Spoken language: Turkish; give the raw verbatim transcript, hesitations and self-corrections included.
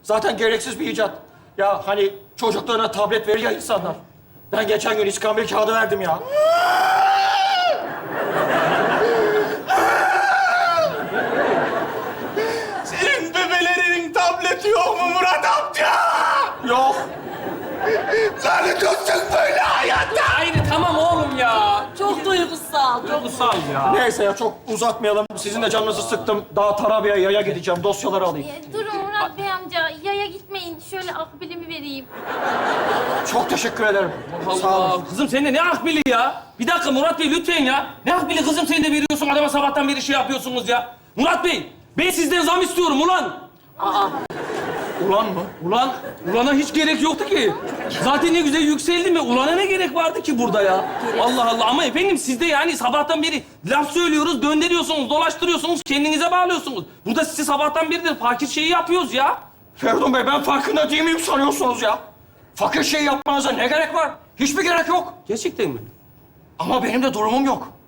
Zaten gereksiz bir icat. Ya hani çocuklarına tablet verir ya insanlar. Ben geçen gün iskambil kağıdı verdim ya. Senin bebelerinin tableti yok mu Murat amca? Yok. Lanet olsun böyle hayatta. Hayır tamam oğlum ya. Çok duygusal. Çok... Duygusal ya. Neyse ya çok uzatmayalım. Sizin de canınızı sıktım. Daha Tarabya'ya yaya gideceğim. Dosyaları alayım. Ee, Durun Murat Bey amca, yaya gitmeyin. Şöyle akbilimi vereyim. Çok teşekkür ederim. Sağ Allah. olun. Kızım sen de ne akbili ya? Bir dakika Murat Bey lütfen ya. Ne akbili kızım sen de veriyorsun adama sabahtan beri şey yapıyorsunuz ya. Murat Bey ben sizden zam istiyorum ulan. Ulan mı? Ulan, ulana hiç gerek yoktu ki. Zaten ne güzel yükseldi mi? Ulana ne gerek vardı ki burada ya? Allah Allah. Ama efendim siz de yani sabahtan beri laf söylüyoruz, döndürüyorsunuz, dolaştırıyorsunuz, kendinize bağlıyorsunuz. Burada size sabahtan beridir fakir şeyi yapıyoruz ya. Feridun Bey ben farkında değil miyim sanıyorsunuz ya? Fakir şey yapmanıza ne gerek var? Hiçbir gerek yok. Gerçekten mi? Ama benim de durumum yok.